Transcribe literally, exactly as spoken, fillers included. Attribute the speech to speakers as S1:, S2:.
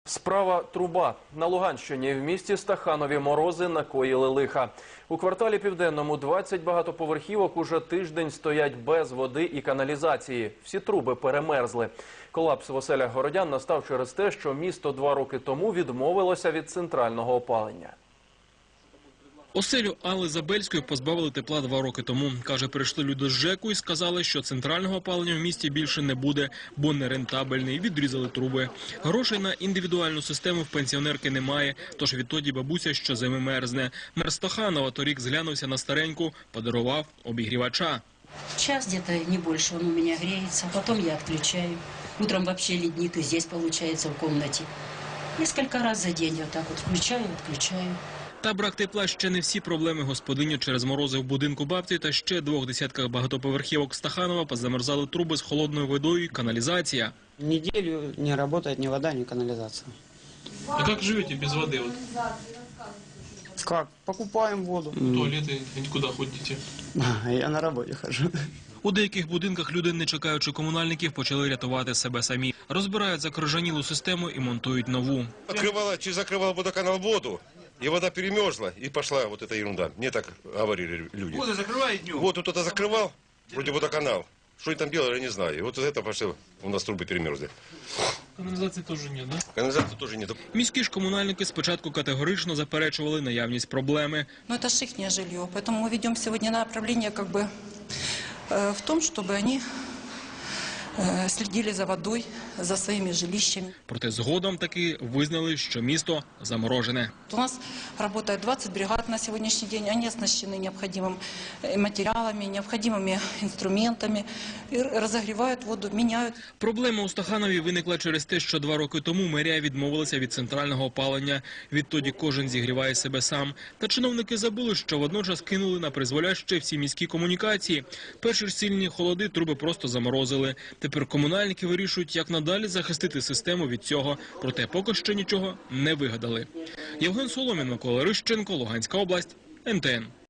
S1: Справа труба. На Луганщині в місті Стаханові морози накоїли лиха. У кварталі Південному двадцять багатоповерхівок уже тиждень стоять без води і каналізації. Всі труби перемерзли. Колапс в оселях городян настав через те, що місто два роки тому відмовилося від центрального опалення.
S2: Оселю Алли Забельської позбавили тепла два роки тому. Каже, прийшли люди з ЖЕКу і сказали, що центрального опалення в місті більше не буде, бо нерентабельний, відрізали труби. Грошей на індивідуальну систему в пенсіонерки немає, тож відтоді бабуся щозими мерзне. Мер Стаханова торік зглянувся на стареньку, подарував обігрівача.
S3: Час где-то, не больше, он у меня греется, потом я отключаю. Утром вообще ледник и здесь получается в комнате. Несколько раз за день вот так вот включаю, отключаю.
S2: Та брак тепла ще не всі проблеми господині через морози в будинку бабці та ще двох десятках багатоповерхівок Стаханова позамерзали труби з холодною водою і каналізація.
S4: Неделю не работает ни вода, ни канализация.
S2: А як живете без води?
S4: Как? Покупаем воду.
S2: Туалети, куди ходите?
S4: Я на работе хожу.
S2: У деяких будинках люди, не чекаючи комунальників, почали рятувати себе самі. Розбирають закрижанілу систему і монтують нову.
S5: Открывала, чи закрывала водоканал воду, и вода перемерзла, и пошла вот эта ерунда. Мне так говорили люди.
S6: Воду закрывает днем.
S5: Вот кто-то закрывал, вроде водоканал. Что они там делали, я не знаю. И вот из этого пошло, у нас трубы перемерзли.
S2: Каналізації теж ні, да?
S5: Канализации тоже нет.
S2: Міські ж комунальники спочатку категорично заперечували наявність проблеми.
S7: Но это же их жилье, поэтому мы ведем сегодня направление как бы э, в том, чтобы они э, следили за водой, за своими жилищами.
S2: Проте згодом таки визнали, що місто заморожене.
S7: У нас работает двадцать бригад на сегодняшний день, они оснащены необходимыми материалами, необходимыми инструментами, и разогревают воду, меняют.
S2: Проблема у Стаханові виникла через те, що два роки тому мерія відмовилася від центрального опалення. Відтоді кожен зігріває себе сам. Та чиновники забули, що водночас кинули на призволяще всі міські комунікації. Перші ж сильні холоди труби просто заморозили. Тепер комунальники вирішують, як надалі захистити систему від цього. Проте поки що нічого не вигадали. Євген Соломін, Микола Рищенко, Луганська область, ен те ен.